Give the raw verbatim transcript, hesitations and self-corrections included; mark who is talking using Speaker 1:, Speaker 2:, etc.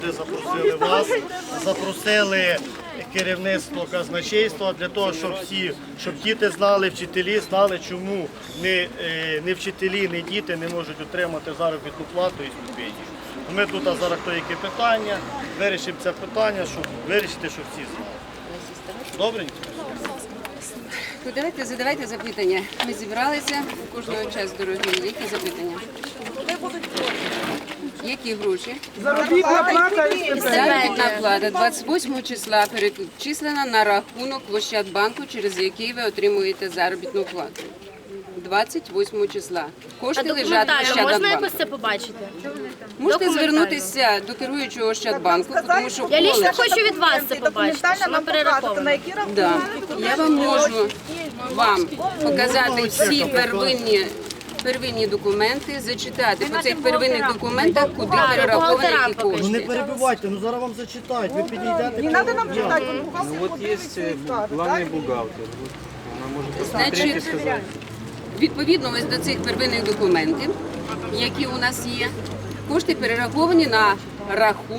Speaker 1: Запросили вас, запросили керівництво казначейства для того, щоб всі, щоб діти знали, вчителі знали, чому не, не вчителі, не діти не можуть отримати заробітну плату і стипендію. Ми тут зараз то яке питання, вирішимо це питання, щоб вирішити, щоб всі знали. Добренько?
Speaker 2: Ну, давайте задавайте запитання. Ми зібралися, у кожного час дорогі. Які запитання? Які гроші?
Speaker 3: Заробітна плата і
Speaker 2: Заробітна плата двадцять восьмого числа перечислена на рахунок в Ощадбанку, через який ви отримуєте заробітну плату. двадцять восьмого числа.
Speaker 4: А
Speaker 2: Кошти лежать в
Speaker 4: документально можна
Speaker 2: Ощадбанку.
Speaker 4: якось це побачити?
Speaker 2: Можете
Speaker 4: Документально.
Speaker 2: звернутися до керуючого Ощадбанку, тому що
Speaker 4: Я лично
Speaker 2: коледж.
Speaker 4: хочу від вас це побачити, що ми перераховано.
Speaker 2: Да. Я вам можу вам показати всі первинні, первинні документи, зачитати по цих первинних документах, куди перераховані ті
Speaker 1: Ну не
Speaker 2: кошти.
Speaker 1: перебивайте, ну зараз вам зачитають, ви підійдете.
Speaker 3: Не треба нам читати,
Speaker 5: Ну вот есть э, главный бухгалтер. Вот она может посмотреть и
Speaker 2: Значить,
Speaker 5: сказать.
Speaker 2: відповідно ось до цих первинних документів, які у нас є, кошти перераховані на рахунок